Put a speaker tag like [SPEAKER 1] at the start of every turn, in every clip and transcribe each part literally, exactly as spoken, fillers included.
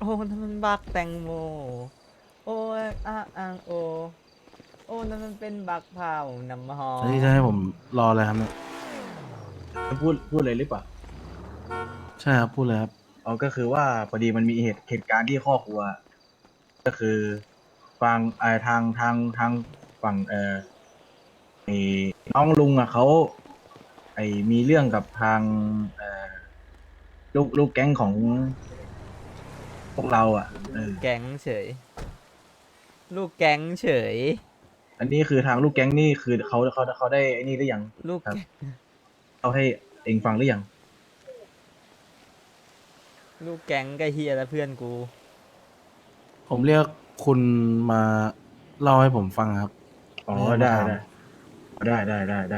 [SPEAKER 1] อ้นั่นมันบักแตงโมโอ้ยอ่างอ่างโอโอ้นั่นมันเป็นบักเผาน้ำหอ
[SPEAKER 2] แล้วที่จะ
[SPEAKER 1] ม
[SPEAKER 2] ให้ผมรออะไรครับเนี่ย
[SPEAKER 3] จะพูดพูดเลยหรือเปล่า
[SPEAKER 2] ใช่ครับพูดเลยครับ
[SPEAKER 3] อ๋อก็คือว่าพอดีมันมีเหตุเหตุการณ์ที่ครอบครัวก็คือฟังเอ่อทางทางทางฝั่งเอ่อน้องลุงอ่ะเขาไอ้มีเรื่องกับทางเอ่อลูกลูกแก๊งของพวกเราอ่ะเออ
[SPEAKER 1] ลูกแก๊งเฉยลูกแก๊งเฉย
[SPEAKER 3] อันนี้คือทางลูกแก๊งนี่คือเขาเขาเขาได้ไอ้นี่หรือยังครับ
[SPEAKER 1] ลูกแก๊ง
[SPEAKER 3] เขาให้เองฟังหรือยัง
[SPEAKER 1] ลูกแก๊งก็เฮียแล้วเพื่อนกู
[SPEAKER 2] ผมเรียกคุณมาเล่าให้ผมฟังครับ
[SPEAKER 3] อ๋อ
[SPEAKER 2] ไม่ใช่มาถาม
[SPEAKER 3] ได้ได้ได้ได้ได้ได้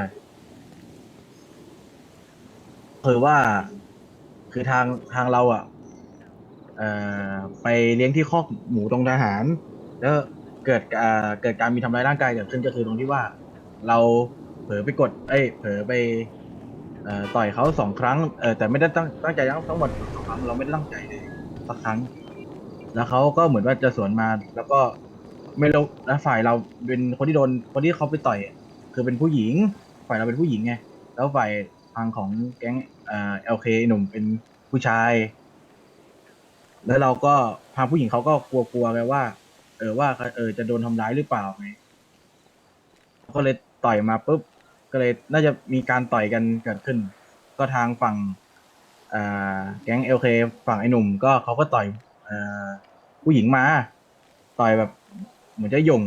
[SPEAKER 3] คือว่าคือทางทางเราอ่ะ เอ่อไปเลี้ยงที่คอกหมูตรงทหารแล้วเกิดอ่าเกิดการมีทำร้ายร่างกายเกิดขึ้นก็คือตรงที่ว่าเราเผลอไปกดเอ้ยเผลอไปเอ่อต่อยเขาสองครั้งเออแต่ไม่ได้ตั้งตั้งใจทั้งทั้งหมดสองครั้งเราไม่ได้ตั้งใจเลยสักครั้งแล้วเขาก็เหมือนว่าจะสวนมาแล้วก็ไม่รู้แล้วฝ่ายเราเป็นคนที่โดนคนที่เขาไปต่อยอะคือเป็นผู้หญิงฝ่ายเราเป็นผู้หญิงไงแล้วฝ่ายทางของแก๊งเอ่อเอลเคหนุ่มเป็นผู้ชาย แล้วเราก็ทางผู้หญิงเขาก็กลัวๆไงว่าเออว่าเออจะโดนทำร้ายหรือเปล่าไงก็เลยต่อยมาปุ๊บก็เลยน่าจะมีการต่อยกันเกิดขึ้นก็ทางฝั่งอ่าแก๊งเอลเคฝั่งไอ้หนุ่มก็เขาก็ต่อยเอ่อผู้หญิงมาต่อยแบบเหมือนจะหย่ง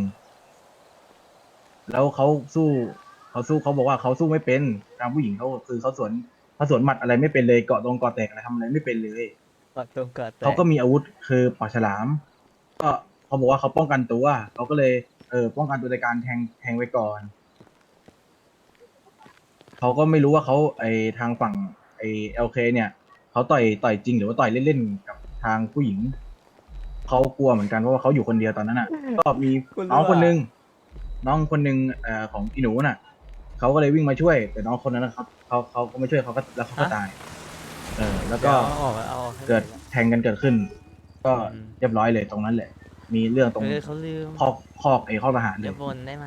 [SPEAKER 3] แล้วเขาสู้เขาสู้เขาบอกว่าเขาสู้ไม่เป็นทางผู้หญิงเขาคือเขาสวนเขาสวนหมัดอะไรไม่เป็นเลยเกาะตรงเกาะแตกอะไรทำอะไรไม่เป็นเลย
[SPEAKER 1] กอดตรงกอดแต
[SPEAKER 3] เขา
[SPEAKER 1] ก
[SPEAKER 3] ก็มีอาวุธคือปากฉลามก็เขาบอกว่าเขาป้องกันตัวเขาก็เลยเออป้องกันตัวในการแทงแทงไว้ก่อนเขาก็ไม่รู้ว่าเขาไอทางฝั่งไอเอลเคเนี่ยเขาต่อยต่อยจริงหรือว่าต่อยเล่นๆกับทางผู้หญิงเขากลัวเหมือนกันเพราะว่าเขาอยู่คนเดียวตอนนั้นอ่ะก็มี
[SPEAKER 1] กู
[SPEAKER 3] น้อง
[SPEAKER 1] รู้อ่ะ
[SPEAKER 3] คนนึงน้องคนนึงเอ่อของอีหนูน่ะเขาก็เลยวิ่งมาช่วยแต่น้องคนนั้นนะเขาเขาเขาก็ไม่ช่วยเขาก็แล้วเขาก็
[SPEAKER 1] ฮะ
[SPEAKER 3] ตายเออแล้วก็
[SPEAKER 1] เดี๋ยวเอาออกเอาออกให้หน่
[SPEAKER 3] เกิด
[SPEAKER 1] อยละ
[SPEAKER 3] แทงกันเกิดขึ้นก็
[SPEAKER 1] อืม
[SPEAKER 3] เรียบร้อยเลยตรงนั้นแหละมีเรื่องตรง
[SPEAKER 1] เออเขาลืม
[SPEAKER 3] คอกคอกไอ้คอกทหารเลย
[SPEAKER 1] อย่าบ่นได้ไหม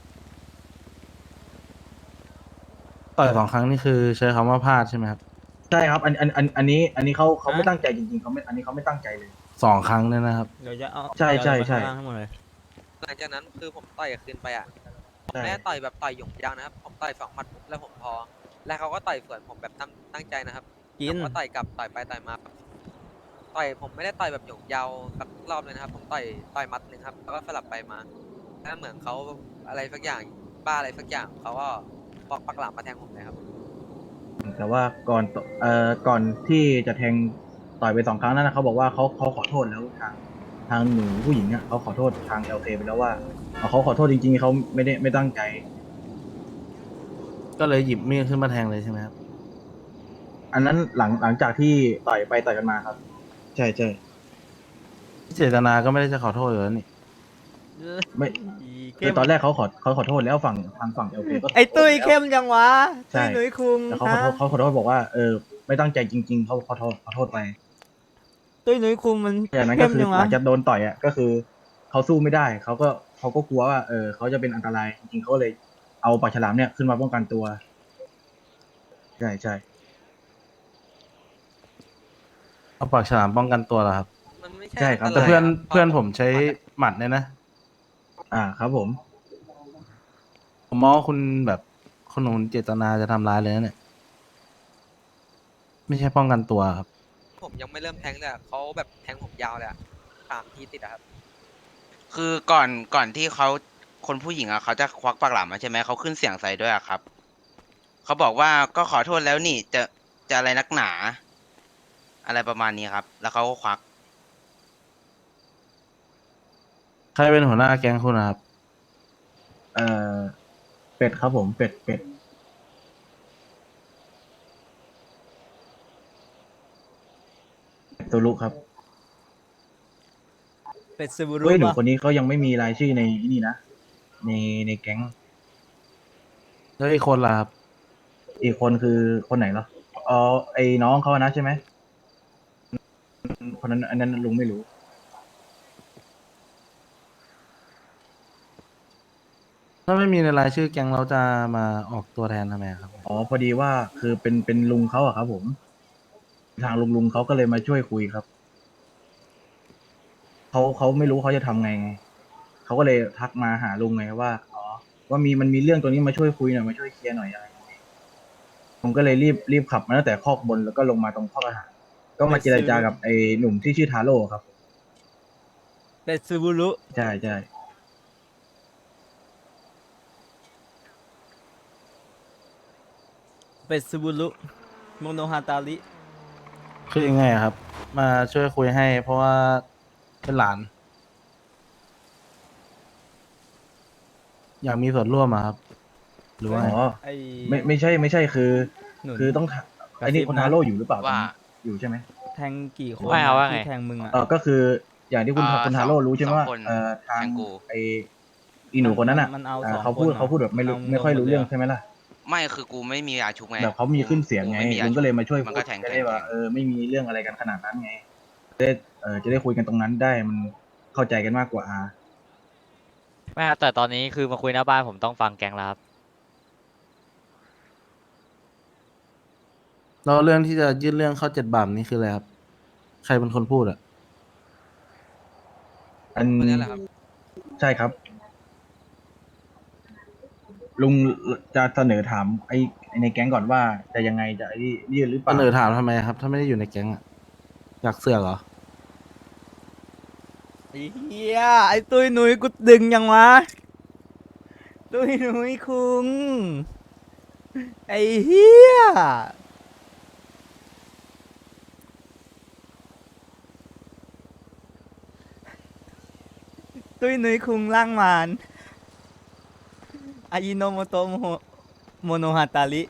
[SPEAKER 2] ต่อยสองครั้งนี่คือใช้คำว่าพลาดใช่ไหมครับ
[SPEAKER 3] ใช่ครับอันอันอันอันนี้อันนี้เขาเขา
[SPEAKER 1] ฮะ
[SPEAKER 3] ไม่ตั้งใจจริงๆเขาไม่อันนี้เขาไม่ตั้งใจเลย
[SPEAKER 2] สองครั้งเนี่ยนะครับ
[SPEAKER 1] เดี๋ยวจะเอา
[SPEAKER 3] ใช่
[SPEAKER 1] เดี๋ยว
[SPEAKER 3] ใช่ใช่
[SPEAKER 1] ลงไปข้างล่างให้หมดเลย
[SPEAKER 4] หลังจากนั้นคือผมต่อยคืนไปอ่ะผม
[SPEAKER 3] ใช่
[SPEAKER 4] ไม่ได้ต่อยแบบต่อยหยงยาวนะครับผมต่อยสองหมัดปุ๊บแล้วผมพอแล้วเขาก็ต่อยสวนผมแบบตั้งตั้งใจนะครับ
[SPEAKER 1] กิน
[SPEAKER 4] ผมก็ต่อยกลับต่อยไปต่อยมาต่อยผมไม่ได้ต่อยแบบหยงยาวสักรอบเลยนะครับผมต่อยต่อยหมัดหนึ่งครับแล้วก็สลับไปมาแล้วเหมือนเขาอะไรสักอย่างบ้าอะไรสักอย่างเขาก็ปอกปักหลามมาแทงผมเลยครับ
[SPEAKER 3] แต่ว่าก่อนตเอ่อก่อนที่จะแทงต่อยไปสองครั้งนั้นนะเขาบอกว่าเขาเขาขอโทษแล้วทางทางหนูผู้หญิงอ่ะเขาขอโทษทางเอลเคไปแล้วว่าเขาขอโทษจริงๆเขาไม่ได้ไม่ตั้งใจ
[SPEAKER 2] ก็เลยหยิบมีดขึ้นมาแทงเลยใช่ไหมครับ
[SPEAKER 3] อันนั้นหลังหลังจากที่ต่อยไปต่อยกันมาครับใช่ใช่
[SPEAKER 2] เจตนาก็ไม่ได้จะขอโทษอยู่แล้วนี่
[SPEAKER 1] เอ้
[SPEAKER 3] ไม่
[SPEAKER 1] ย
[SPEAKER 3] คือ
[SPEAKER 1] เข้ม
[SPEAKER 3] ตอนแรกเขาขอเขาขอโทษแล้วฝั่งทางฝั่งเอลเคก็ข
[SPEAKER 1] ไอ้ตุ้ย
[SPEAKER 3] อโทษแล้ว
[SPEAKER 1] เข้มจังวะตุ้
[SPEAKER 3] ใช่
[SPEAKER 1] ยหนุ่ยคุง
[SPEAKER 3] แล้วเขาขอ
[SPEAKER 1] ฮะ
[SPEAKER 3] โทษเขาขอโทษบอกว่าเออไม่ตั้งใจจริงๆเขาขอโทษขอโทษไป
[SPEAKER 1] ตุ้ยหนุ่ยคุงมัน
[SPEAKER 3] จากนั้นก็คือ
[SPEAKER 1] เข้มจังวะ
[SPEAKER 3] หลังจากโดนต่อยอ่ะก็คือเขาสู้ไม่ได้เขาก็เขาก็กลัวว่าเออเขาจะเป็นอันตรายจริงๆเขาเลยเอาปากฉลามเนี่ยขึ้นมาป้องกันตัวใช่ใช่
[SPEAKER 2] เอาปากฉลามป้องกันตัวเหรอครับ
[SPEAKER 4] มันไม่ใช่
[SPEAKER 3] ใช่
[SPEAKER 4] อันต
[SPEAKER 3] ครับใช่
[SPEAKER 2] แต่เพื่อน
[SPEAKER 4] รายครับพอ
[SPEAKER 2] เพื่อน
[SPEAKER 4] ผม
[SPEAKER 2] ผมใช้
[SPEAKER 4] หมัดอะ
[SPEAKER 2] หมัดเนี่ยนะ
[SPEAKER 3] อ่าครับผม
[SPEAKER 2] ผมมองว่าคุณแบบคุณหนูเจตนาจะทำร้ายเลยนะเนี่ยไม่ใช่ป้องกันตัวครับ
[SPEAKER 4] ผมยังไม่เริ่มแทงเลยอะเขาแบบแทงผมยาวเลยอะสามทีติดอะครับ
[SPEAKER 5] คือก่อนก่อนที่เขาคนผู้หญิงอ่ะเขาจะควักปากหลามมาใช่ไหมเขาขึ้นเสียงใส่ด้วยอะครับเขาบอกว่าก็ขอโทษแล้วนี่จะจะอะไรนักหนาอะไรประมาณนี้ครับแล้วเขาก็ควัก
[SPEAKER 2] ใครเป็นหัวหน้าแก๊งคุณนะครับ
[SPEAKER 3] เอ่อเป็ดครับผมเป็ดเป็ดเป็ดตัวลุครับ
[SPEAKER 1] เป็ดซูบูรุ
[SPEAKER 3] เฮ้ยหนู
[SPEAKER 1] ปะ
[SPEAKER 3] คนนี้เขายังไม่มีรายชื่อในนี่นะในในแก๊ง
[SPEAKER 2] แล้วอีกคนล่ะครับ
[SPEAKER 3] อีกคนคือคนไหนเหรออ๋อไอ้น้องเขานะใช่ไหมคนนั้นอันนั้นลุงไม่รู้
[SPEAKER 2] ถ้าไม่มีในรายชื่อแก๊งเราจะมาออกตัวแทนทำไมครับ
[SPEAKER 3] อ๋อพอดีว่าคือเป็นเป็นลุงเขาอะครับผมทางลุงลุงเขาก็เลยมาช่วยคุยครับเขาเขาไม่รู้เขาจะทำไงไงเขาก็เลยทักมาหาลุงไงว่าอ๋อว่ามีมันมีเรื่องตัวนี้มาช่วยคุยหน่อยมาช่วยเคลียร์หน่อยอะไรอย่างเงี้ยผมก็เลยรีบรีบขับมาตั้งแต่คอกบนแล้วก็ลงมาตรงคอกอาหารก็มาเจรจากับไอ้หนุ่มที่ชื่อทาโร่ครับ
[SPEAKER 1] เป็ดซูบุรุ
[SPEAKER 3] ใช่ใช่
[SPEAKER 1] เป็ดซูบุรุโมโนฮาตาริ
[SPEAKER 2] คือยังไงอะครับ มาช่วยคุยให้ เพราะว่าเป็นหลาน อยากมีส่วนร่วมอะครับ หรือว่า
[SPEAKER 3] อ๋
[SPEAKER 2] ไง
[SPEAKER 3] อ
[SPEAKER 1] ไอ้
[SPEAKER 3] ไม่ไม่ใช่ไม่ใช่คือ
[SPEAKER 1] หนุน
[SPEAKER 3] คือต้องถาม
[SPEAKER 1] กระ
[SPEAKER 3] ไอ้นี่
[SPEAKER 1] ซิบ
[SPEAKER 3] คน
[SPEAKER 1] นะ
[SPEAKER 3] ทาโร่อยู่หรือเปล่า
[SPEAKER 5] ว่า
[SPEAKER 3] อยู่ใช่ไหม
[SPEAKER 1] แทงกี่คน
[SPEAKER 6] ว่าไงว่าไง
[SPEAKER 1] ที่แทงมึงอ่ะ
[SPEAKER 3] เออก็คืออย่างที่คุณ
[SPEAKER 5] เอ่อ
[SPEAKER 3] คุณ
[SPEAKER 5] ส
[SPEAKER 3] ทา
[SPEAKER 5] อง
[SPEAKER 3] โร่รู้ใช่ไหม
[SPEAKER 5] สอง
[SPEAKER 3] ว่า
[SPEAKER 5] คน
[SPEAKER 3] เอ่อทาง
[SPEAKER 5] แทงกู
[SPEAKER 3] ไออีหนูคนนั้นอ่ะ
[SPEAKER 1] มันเอา
[SPEAKER 3] อ่า
[SPEAKER 1] สอง
[SPEAKER 3] เขาพูด
[SPEAKER 1] คนเหรอ
[SPEAKER 3] เขาพูดแบบไม่รู้
[SPEAKER 1] มันเอา
[SPEAKER 3] ไม่ค่อยรู้เรื่อง
[SPEAKER 1] หมดเลยเหรอ
[SPEAKER 3] ใช่ไหมล่ะ
[SPEAKER 5] ไม่คือกูไม่มียาชุบไง
[SPEAKER 3] แบบเขามีขึ้นเสียงไง
[SPEAKER 5] กูม่มีา
[SPEAKER 3] ลุง
[SPEAKER 5] ชุ
[SPEAKER 3] ก็
[SPEAKER 5] บ
[SPEAKER 3] เลยมาช่วย
[SPEAKER 5] มัน
[SPEAKER 3] พู
[SPEAKER 5] ก็
[SPEAKER 3] ด
[SPEAKER 5] แทง
[SPEAKER 3] จะ
[SPEAKER 5] แท
[SPEAKER 3] ได้
[SPEAKER 5] ง
[SPEAKER 3] ว่า
[SPEAKER 5] แทง
[SPEAKER 3] เออไม่มีเรื่องอะไรกันขนาดนั้นไงจะได้เออจะได้คุยกันตรงนั้นได้มันเข้าใจกันมากกว่า
[SPEAKER 6] ไม่ครับแต่ตอนนี้คือมาคุยหน้าบ้านผมต้องฟังแก๊งแล้วครับ
[SPEAKER 2] แล้วเรื่องที่จะยื่นเรื่องเข้าเจ็ดบาปนี่คืออะไรครับ ใครเป็นคนพูดอะ
[SPEAKER 3] อัน
[SPEAKER 4] คนนี้แหละครับ
[SPEAKER 3] ใช่ครับ ลุงจะเสนอถามไอ้ไอ้ในแก๊งก่อนว่าจะยังไงจะไอ้ยื่นหรือเป
[SPEAKER 2] เส
[SPEAKER 3] ล่า
[SPEAKER 2] นอถามทำไมครับ ถ้าไม่ได้อยู่ในแก๊งอะอยากเสือกเหรอ
[SPEAKER 1] ไอ้เหี้ยไอ้ตุ้ยหนุยกูดึงยังวะ ตุ้ยหนุยคุง ไอ้เหี้ย ตุ้ยหนุยคุงล่างมานอายิโนโมโตะโมโมโนฮาตาริ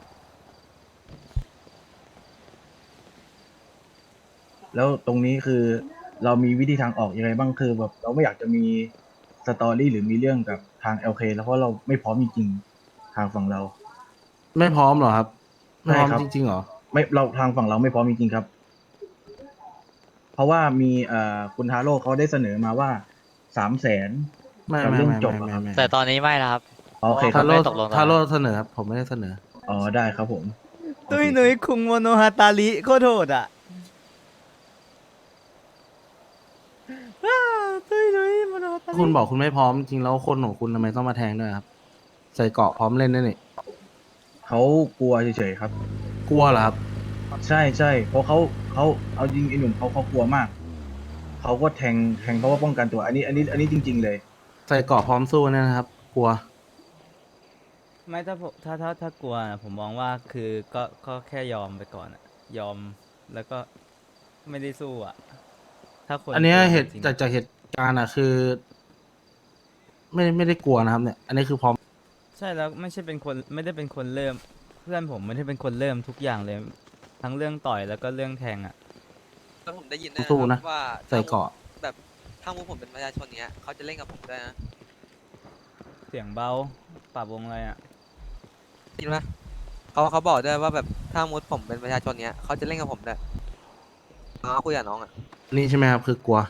[SPEAKER 3] แล้วตรงนี้คือเรามีวิธีทางออกยังไงบ้างคือแบบเราไม่อยากจะมีสตอรี่หรือมีเรื่องกับทาง แอล เค แล้วเพราะเราไม่พร้อมจริงๆทางฝั่งเรา
[SPEAKER 2] ไม่พร้อมเหรอครับ ไม่พร้อม
[SPEAKER 3] ใช่ครับ
[SPEAKER 2] จริงๆเหรอ
[SPEAKER 3] ไม่เราทางฝั่งเราไม่พร้อมจริงๆครับ เพราะว่ามีเอ่อคุณทาโร่เขาได้เสนอมาว่าสามแสน
[SPEAKER 2] ไม่
[SPEAKER 3] กับ
[SPEAKER 2] ไม่
[SPEAKER 3] เรื่อง
[SPEAKER 2] ไม่
[SPEAKER 3] จบ
[SPEAKER 2] ไม่
[SPEAKER 3] อะครับ
[SPEAKER 2] ไม่ไม่
[SPEAKER 6] แต่ตอนนี้ไม่แล้วครับ
[SPEAKER 3] โอเคค
[SPEAKER 2] ทา
[SPEAKER 3] รับ
[SPEAKER 2] โร่
[SPEAKER 6] ไม่ตกลงตอนนั้น
[SPEAKER 2] ทาโร่เสนอครับ ผมไม่ได้เสนอ
[SPEAKER 3] อ๋อได้ครับผม
[SPEAKER 1] ตุ้ยหนุยคุงโมโนฮาตาริโคตรโหดอ่ะอ้าวตุ้ยหนุยโมโนฮาตาริ
[SPEAKER 2] คุณบอกคุณไม่พร้อมจริงแล้วคนของคุณทำไมต้องมาแทงด้วยครับ ใส่เกราะพร้อมเล่นด้วยนี่
[SPEAKER 3] เขากลัวเฉยๆครับ
[SPEAKER 2] กลัวเหรอครับ
[SPEAKER 3] ใช่ใช่เพราะเขาเขาเอาจริงไอ้หนุ่มเขาเขากลัวมากเขาก็แทงแทงเพราะว่าป้องกันตัว อันนี้ อันนี้ อันนี้จริง ๆ เลย
[SPEAKER 2] ใส่เกราะพร้อมสู้เนี่ยนะครับ กลัว
[SPEAKER 1] ไม่ถ้าผมถ้าถ้าถ้ากลัวนะผมมองว่าคือก็ก็แค่ยอมไปก่อนอะยอมแล้วก็ไม่ได้สู้อ่ะ ถ้าคน
[SPEAKER 2] อันเนี้ย
[SPEAKER 1] กลัว
[SPEAKER 2] เหตุ
[SPEAKER 1] จริงๆ
[SPEAKER 2] จากจากเหตุการณ์อ่ะคือ ไม่ไม่ได้กลัวนะครับเนี่ย อันนี้คือพร้อม
[SPEAKER 1] ใช่แล้วไม่ใช่เป็นคนไม่ได้เป็นคนเริ่ม เพื่อนผมไม่ได้เป็นคนเริ่มทุกอย่างเลย ทั้งเรื่องต่อยแล้วก็เรื่องแทงอ่ะ
[SPEAKER 4] แล้วผมได้ยินด้วย
[SPEAKER 2] สู้
[SPEAKER 4] นะ
[SPEAKER 2] นะ
[SPEAKER 4] ครับว่า
[SPEAKER 2] ใส่เกราะ
[SPEAKER 4] แบบถ้ามุกผมเป็นประชาชนเนี้ยเขาจะเล่นกับผมด้วยนะ
[SPEAKER 1] เสียงเบาปรับวงอะไรอ่ะ
[SPEAKER 4] ได้ยินปะเขาเขาบอกด้วยว่าแบบถ้ามุดผมเป็นประชาชนเนี้ยเขาจะเล่นกับผมด้วยน้องคุยกับน้องอ่ะ
[SPEAKER 2] นี่ใช่ไหมครับ คือกลัว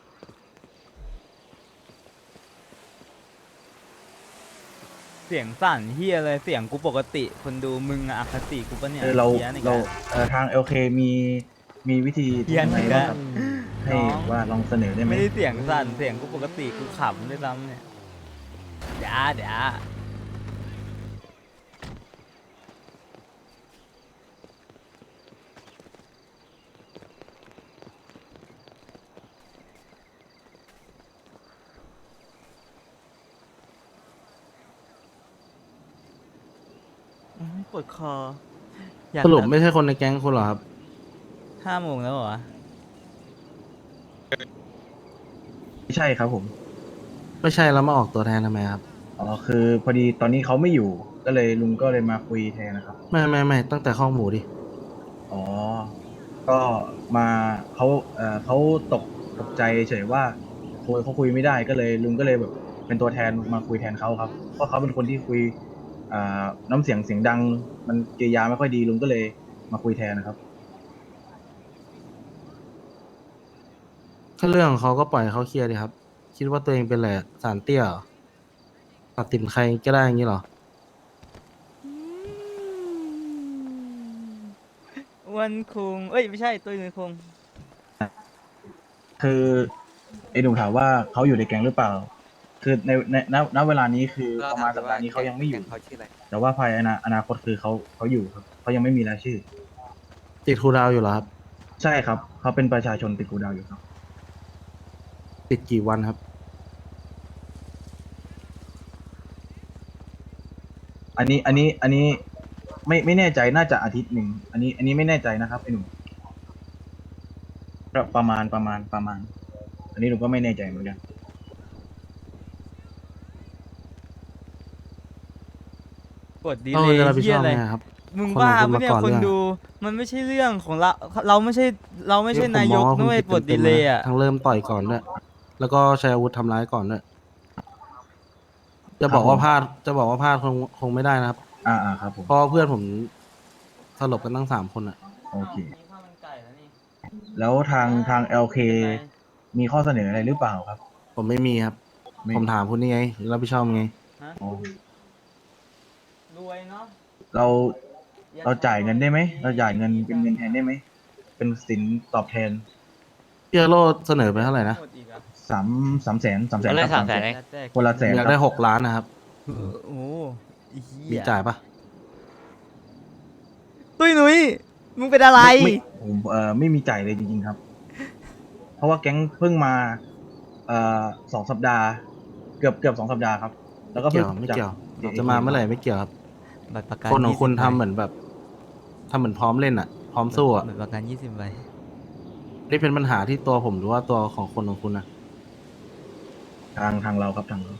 [SPEAKER 1] เสียงสั่นเฮียเลยเสียงกูปกติ คนดูมึงอะอคติกูปะเนี่ย
[SPEAKER 3] เออเรา
[SPEAKER 1] หี้ยนี่
[SPEAKER 3] เรา
[SPEAKER 1] กะ
[SPEAKER 3] เอ่อทาง แอล เค มีมีวิธี
[SPEAKER 1] เหี้ย
[SPEAKER 3] ยังไง
[SPEAKER 1] นี่
[SPEAKER 3] บ้าง
[SPEAKER 1] กะ
[SPEAKER 3] ครับให้
[SPEAKER 1] น้อง
[SPEAKER 3] ว่าลองเสนอได้ไหม
[SPEAKER 1] ไม่ได้เสียงสั่นเสียงกูปกติกูขำด้วยซ้ำเนี่ยเดี๋ยวเดี๋ยวอื้อปวดคออยาก
[SPEAKER 2] สรุป
[SPEAKER 1] แบบ
[SPEAKER 2] ไม่ใช่คนในแก๊งคุณเหรอครับ
[SPEAKER 1] ห้าโมงแล้วเหรอวะ
[SPEAKER 3] ไม่ใช่ครับผม
[SPEAKER 2] ไม่ใช่แล้วมาออกตัวแทนทำไมครับ
[SPEAKER 3] อ๋อคือพอดีตอนนี้เขาไม่อยู่ ก็เลยลุงก็เลยมาคุยแทนนะครับ
[SPEAKER 2] ไม่ไม่ไม่ตั้งแต่ข้อหมูดิ
[SPEAKER 3] อ๋อ ก็มาเขาเอ่อเขาตกตกใจเฉยว่าคุยเขาคุยไม่ได้ก็เลยลุงก็เลยแบบเป็นตัวแทนมาคุยแทนเขาครับ เพราะเขาเป็นคนที่คุยอ่าน้ำเสียงเสียงดัง มันกิริยาไม่ค่อยดีลุงก็เลยมาคุยแทนนะครับ
[SPEAKER 2] ถ้าเรื่องของเขาก็ปล่อยให้เขาเคลียร์ดีครับ คิดว่าตัวเองเป็นอะไรอะสารเตี้ยเหรอตัดสินใครก็ได้อย่างนี้เหรอ
[SPEAKER 1] อ้วนคุงเอ้ยไม่ใช่ตุ้ยนุ้ยคุง
[SPEAKER 3] คือไอ้หนุ่มถามว่าเขาอยู่ในแก๊งหรือเปล่า คือในในณณเวลานี้คือ
[SPEAKER 4] เรา
[SPEAKER 3] ประ
[SPEAKER 4] ถา
[SPEAKER 3] มาณ
[SPEAKER 4] ม
[SPEAKER 3] สั
[SPEAKER 4] ดู
[SPEAKER 3] ป
[SPEAKER 4] ว่า
[SPEAKER 3] ดาห์นี้เขายังไม่อยู่
[SPEAKER 4] แก๊เขาชื่ออะไร
[SPEAKER 3] แต่ว่าภายในอนาอนาคตคือเขาเขาอยู่ครับเขายังไม่มีรายชื่อ
[SPEAKER 2] ติดครูดาวอยู่เหรอครับ
[SPEAKER 3] ใช่ครับเขาเป็นประชาชนติดกูดาวอยู่ครับ
[SPEAKER 2] ติดกี่วันครับ
[SPEAKER 3] อันนี้อันนี้อันนี้ไม่ไม่แน่ใจน่าจะอาทิตย์หนึ่งอันนี้ อันนี้ไม่แน่ใจนะครับไอ้หนุ่มประประมาณประมาณประมาณ อันนี้หนูก็ไม่แน่ใจเหมือนกัน
[SPEAKER 1] กดดี
[SPEAKER 2] เรา
[SPEAKER 1] เลย
[SPEAKER 2] จะรับผิด
[SPEAKER 1] เฮี
[SPEAKER 2] ช
[SPEAKER 1] ย
[SPEAKER 2] อบ
[SPEAKER 1] อะไร
[SPEAKER 2] ไงครับ
[SPEAKER 1] มึง
[SPEAKER 2] คน
[SPEAKER 1] บ้า
[SPEAKER 2] ของคุณ
[SPEAKER 1] ปะเนี่ย
[SPEAKER 2] มาก่อน
[SPEAKER 1] คน
[SPEAKER 2] เรื่อง
[SPEAKER 1] ดู มันไม่ใช่เรื่องของเรา เราไม่ใช่เราไม่ใช่
[SPEAKER 2] ผม
[SPEAKER 1] นาย
[SPEAKER 2] มอก งว่า
[SPEAKER 1] นะ
[SPEAKER 2] คุณ
[SPEAKER 1] เว้ย
[SPEAKER 2] ผิด
[SPEAKER 1] ปลด
[SPEAKER 2] เต็
[SPEAKER 1] ดี
[SPEAKER 2] มๆ
[SPEAKER 1] เล
[SPEAKER 2] เลย
[SPEAKER 1] ย์
[SPEAKER 2] นะ
[SPEAKER 1] อ่ะ
[SPEAKER 2] ทั้งเริ่มต่อยก่อนด้วย แล้วก็ใช้อาวุธทำร้ายก่อนด้วย จะบอกว่าพลาด จะบอกว่าพลาดคงคงไม่ได้นะครับ
[SPEAKER 3] อ่าอ่าครับผม
[SPEAKER 2] เพราะเพื่อนผมสลบกันตั้งสามคนอ่ะ
[SPEAKER 3] โอเค
[SPEAKER 1] มีข้าวมันไก่แล้วนี่
[SPEAKER 3] แล้วทางทาง แอล เค
[SPEAKER 1] เป็นไร
[SPEAKER 3] มีข้อเสนออะไรหรือเปล่าครับ
[SPEAKER 2] ผมไม่มีครับ
[SPEAKER 3] ไม่
[SPEAKER 2] ผมถามคุณนี่ไง รับผิดชอบไง
[SPEAKER 1] ฮะ
[SPEAKER 3] อ๋อ
[SPEAKER 1] รวยเนาะ
[SPEAKER 3] เราเราจ่ายเงินได้ไหม เราจ่ายเงินเป็นเงินแทนได้ไหม เป็นสินตอบแทน
[SPEAKER 2] พี่อโรเสนอไปเท่าไหร่นะ
[SPEAKER 1] หมดอีกอ่ะ
[SPEAKER 3] สามสามแสนสามแสน
[SPEAKER 6] เอาเลย
[SPEAKER 3] ครับ
[SPEAKER 6] สามแสน
[SPEAKER 3] แส
[SPEAKER 6] เอง
[SPEAKER 1] แล้วแต่
[SPEAKER 3] คนละแสน
[SPEAKER 2] อยาก
[SPEAKER 3] ค
[SPEAKER 2] ได้
[SPEAKER 3] รับ
[SPEAKER 2] หกล้านนะครับ
[SPEAKER 1] โอ้โหไอ้เหี้
[SPEAKER 2] มี
[SPEAKER 1] ย
[SPEAKER 2] จ่ายปะ
[SPEAKER 1] ตุ้ยนุ้ยมึงเป็นอะไร
[SPEAKER 3] ม่ม่ผมเอ่อไม่มีจ่ายเลยจริงๆครับ เพราะว่าแก๊งเพิ่งมาเอ่อสองสัปดาห์ เกือบเกือบสองสัปดาห์ครับ แล้วก็
[SPEAKER 2] เกี่
[SPEAKER 3] เพิ่
[SPEAKER 2] ยว
[SPEAKER 3] ง
[SPEAKER 2] ไม่
[SPEAKER 3] จาก
[SPEAKER 2] เกี่ยว
[SPEAKER 3] เอ
[SPEAKER 2] จะมาเมื่อไหร่ไม่เกี่ยวครับ
[SPEAKER 1] บัตรประกัน
[SPEAKER 2] คนของคุณ
[SPEAKER 1] ยี่สิบ
[SPEAKER 2] ทำ
[SPEAKER 1] ใบ
[SPEAKER 2] เหมือนแบบทำเหมือนพร้อมเล่นอ่ะ พร้อมสู้อ่ะ
[SPEAKER 1] บัตรประกันยี่สิบใบ
[SPEAKER 2] นี่เป็นปัญหาที่ตัวผมหรือว่าตัวของคนของคุณนะ
[SPEAKER 3] ทางทางเราครับทางเรา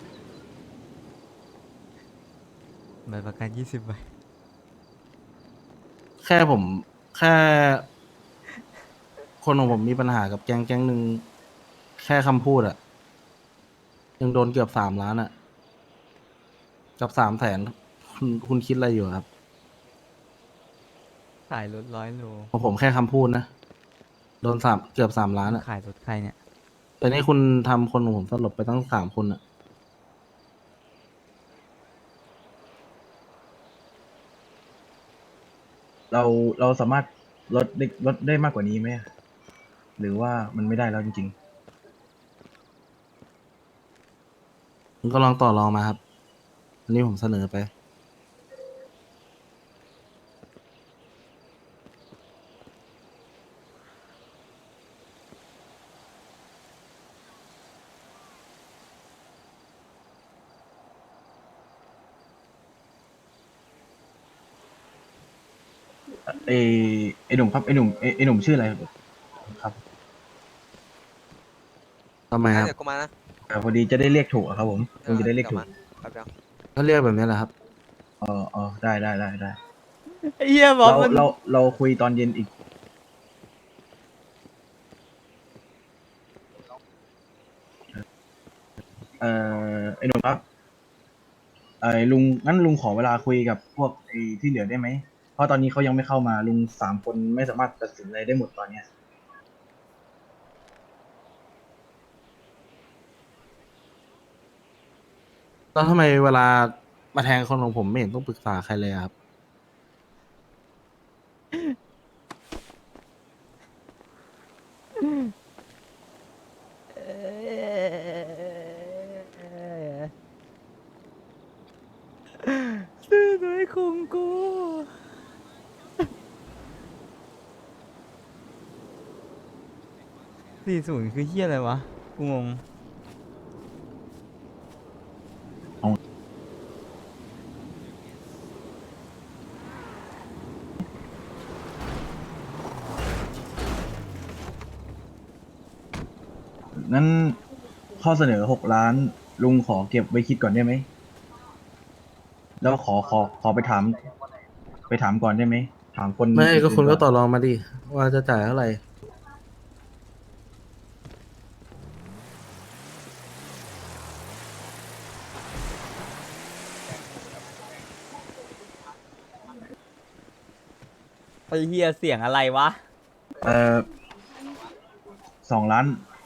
[SPEAKER 1] บัตรประกันยี่สิบใบ
[SPEAKER 2] แค่ผมแค่ คนของผมมีปัญหากับแก๊งแก๊งหนึ่งแค่คำพูดอะยังโดนเกือบสามล้านอะกับสามแสนคุณคุณคิดอะไรอยู่ครับ
[SPEAKER 1] ขายรถร้อยโล
[SPEAKER 2] ของผมแค่คำพูดนะ โดนสามเกือบสามล้านอะ
[SPEAKER 1] ขายรถใครเนี่ย
[SPEAKER 2] แต่นี่คุณทำคนของผมสลบไปตั้งสามคนอะ
[SPEAKER 3] เราเราสามารถลดได้ลดได้มากกว่านี้ไหมหรือว่ามันไม่ได้แล้วจริง
[SPEAKER 2] คุณก็ลองต่อรองมาครับ อันนี้ผมเสนอไป
[SPEAKER 3] ๆไอไอหนุ่มครับไอหนุ่มไอไอหนุ่มชื่ออะไรครับ
[SPEAKER 2] ทำไมครับ
[SPEAKER 4] เดี๋ยวกูมานะ
[SPEAKER 3] อ่าพอดีจะได้เรียกถูกอะครับผมคงจะได้เรียกถูก
[SPEAKER 4] แป๊บเดียว
[SPEAKER 2] ก็เรียกแบบนี้แหละครับ
[SPEAKER 3] อ๋ออ๋อได้ได้ได้ได้
[SPEAKER 1] ไอ้เหี้ยบอก
[SPEAKER 3] เรา
[SPEAKER 1] มัน
[SPEAKER 3] เราเราคุยตอนเย็นอีก เอ่อไอหนุ่มครับไอลุงงั้นลุงขอเวลาคุยกับพวกไอที่เหลือได้ไหม เพราะตอนนี้เขายังไม่เข้ามาลุงสามคนไม่สามารถตัดสินอะไรได้หมดตอนเนี้ย
[SPEAKER 2] แล้วทำไมเวลามาแทงคนของผมไม่เห็นต้องปรึกษาใครเลยอะครับ
[SPEAKER 1] ซื้อด้วยคงกู สี่ศูนย์คือเฮียอะไรวะ กูงง
[SPEAKER 3] งั้นข้อเสนอหกล้าน ลุงขอเก็บไว้คิดก่อนได้ไหม แล้วขอขอขอไปถาม ไปถามก่อนได้ไหม ถามคน
[SPEAKER 2] ไม่ก็คุณก็
[SPEAKER 3] น
[SPEAKER 2] ต่อรองมาดิ ว่าจะจ่ายเท่าไหร่
[SPEAKER 1] ไอ้เฮียเสียงอะไรวะ
[SPEAKER 3] เอ่อสองล้าน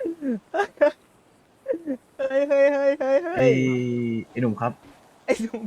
[SPEAKER 1] เฮ้ยเฮ้ยเฮ้ยเฮ้ยเฮ้
[SPEAKER 3] ไอ้
[SPEAKER 1] ย
[SPEAKER 3] ไอ้หนุ่มครับ
[SPEAKER 1] ไอ้ลุง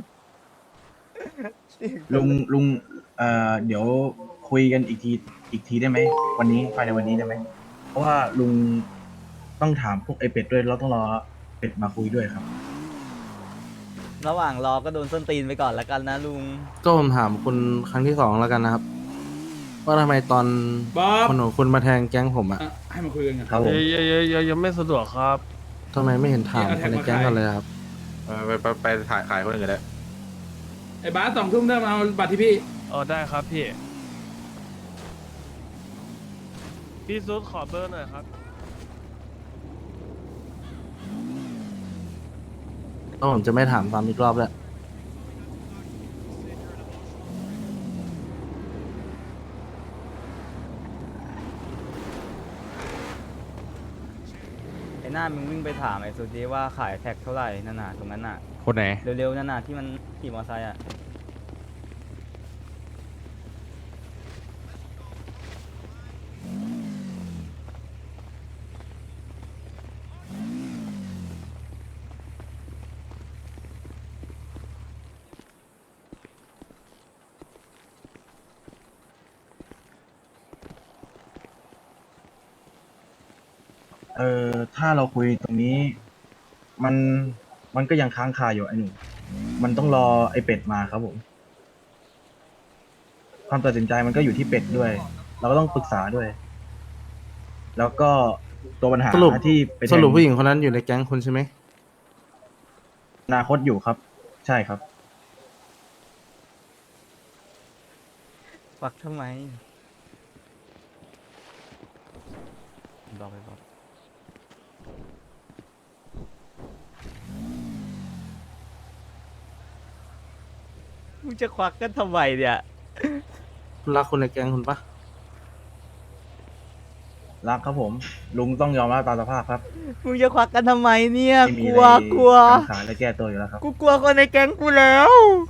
[SPEAKER 3] ลุงลุงเอ่อเดี๋ยวคุยกันอีกทีอีกทีได้ไหมวันนี้ภายในวันนี้ได้ไหมเพราะว่าลุงต้องถามพวกไอเป็ดด้วยเราต้องรอเป็ดมาคุยด้วยครับ
[SPEAKER 1] ระหว่างรอก็โดนส้นตีนไปก่อนละกันนะลุง
[SPEAKER 2] ก็ผมถามคุณครั้งที่สองแล้วกันนะครับ ว่าทำไมตอน
[SPEAKER 7] บ๊อบ
[SPEAKER 2] คนของคุณมาแทงแก๊งผมอะ
[SPEAKER 7] อ่ะให้มาคุยกันไง
[SPEAKER 3] ครับผม
[SPEAKER 8] ยังยังยังยังไม่สะดวกครับ
[SPEAKER 2] ทำไมไม่เห็นถาม
[SPEAKER 7] เอาแท็
[SPEAKER 2] คน
[SPEAKER 7] ก
[SPEAKER 2] ใน
[SPEAKER 7] มา
[SPEAKER 2] แก๊ง
[SPEAKER 7] ขาย
[SPEAKER 2] กันเลยครับ
[SPEAKER 9] เออไปไปไปถ่ายขายคนอื่นกันแล้ว
[SPEAKER 7] ไอ้บาสสองทุ่มได้มาเอาบัตรที่พี่
[SPEAKER 8] อ๋อได้ครับพี่พี่ซุดขอเบอร์หน่อยครับ
[SPEAKER 2] ก็ผมจะไม่ถามซ้ำอีกรอบแล้ว
[SPEAKER 1] ไอ้หน้ามึงวิ่งไปถามไอ้สุดีว่าขายแท็กเท่าไหร่นั่นน่ะตรงนั้นน่ะ
[SPEAKER 9] คนไหน
[SPEAKER 1] เร็วๆนั่นน่ะที่มันขี่มอเตอร์ไซค์อ่ะ
[SPEAKER 3] เออถ้าเราคุยตรงนี้ มันมันก็ยังค้างคาอยู่ไอ้หนุ่มมันต้องรอไอ้เป็ดมาครับผม ความตัดสินใจมันก็อยู่ที่เป็ดด้วย เราก็ต้องปรึกษาด้วย แล้วก็ตัวปัญหา
[SPEAKER 2] สรุป
[SPEAKER 3] ที่ไปแทง
[SPEAKER 2] สรุปผู้หญิงคนนั้นอยู่ในแก๊งคุณใช่ไหม
[SPEAKER 3] อนาคตอยู่ครับ ใช่ครับ
[SPEAKER 1] ฟักทำไมบอกไปบอกมึงจะควักกันทำไมเนี่ย
[SPEAKER 2] คุณรักคนในแก๊งคุณปะ
[SPEAKER 3] รักครับผม ลุงต้องยอมรับตามสภาพครับ
[SPEAKER 1] มึงจะควักกันทำไมเนี่ย
[SPEAKER 3] ไม่มี
[SPEAKER 1] ก
[SPEAKER 3] อะ
[SPEAKER 1] ลัว
[SPEAKER 3] ไร
[SPEAKER 1] กลัว
[SPEAKER 3] ค้างคาและแก้ตัวอยู่แล้วครับ
[SPEAKER 1] กูกลัวคนในแก๊งกูแล้ว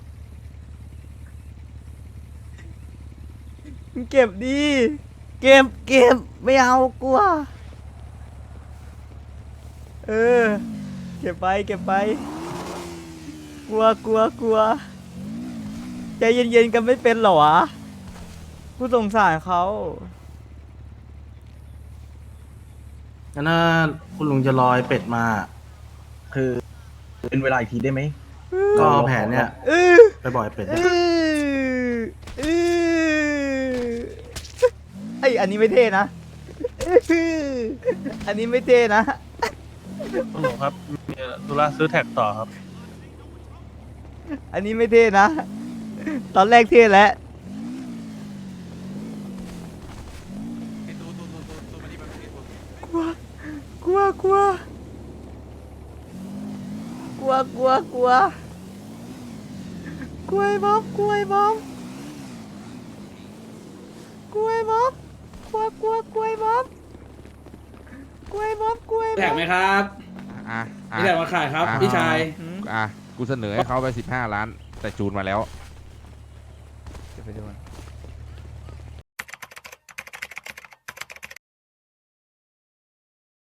[SPEAKER 1] มึงเก็บดี เก็บเก็บไม่เอากลัว เออ เก็บไปเก็บไป กลัวกลัวกลัวใจเย็นๆกันไม่เป็นเหรอวะกูสงสารเขา
[SPEAKER 2] งั้นถ้าคุณลุงจะรอไอ้เป็ดมา
[SPEAKER 3] คือเป็นเวลาอีกทีได้ไหม
[SPEAKER 2] ก็เอาแผนเนี่ย
[SPEAKER 1] เออ
[SPEAKER 2] ไปบ่อยเป็ด
[SPEAKER 1] เอ
[SPEAKER 2] เนี่ย
[SPEAKER 1] อเออไอยอันนี้ไม่เท่นะเอออันนี้ไม่เท่นะ
[SPEAKER 8] คุณหนูครับ มีธุระซื้อแท็กต่อครับ
[SPEAKER 1] อันนี้ไม่เท่นะ ตอนแรกเท่แล้วกลัวกลัวกลัวกลัวกลัวกลัวกลัวไอ้บ๊อบกลัวไอ้บ๊อบกลัวไอ้บ๊อบกลัวกลัวกลัวไอ้บ๊อบกลัวไอ้บ๊อบกลัวไอ้
[SPEAKER 7] แท็
[SPEAKER 1] บ๊
[SPEAKER 7] ก
[SPEAKER 1] อบ
[SPEAKER 7] ไหมครับ
[SPEAKER 9] อ่ะอ่ะ
[SPEAKER 7] นี่แหละมาขายครับ
[SPEAKER 9] อ่ะ
[SPEAKER 7] พี่ชาย
[SPEAKER 1] หืม
[SPEAKER 9] อ่ะ กูเสนอให้เขาไปสิบห้าล้าน แต่จูนมาแล้ว
[SPEAKER 1] เดี๋ยวไปดูกัน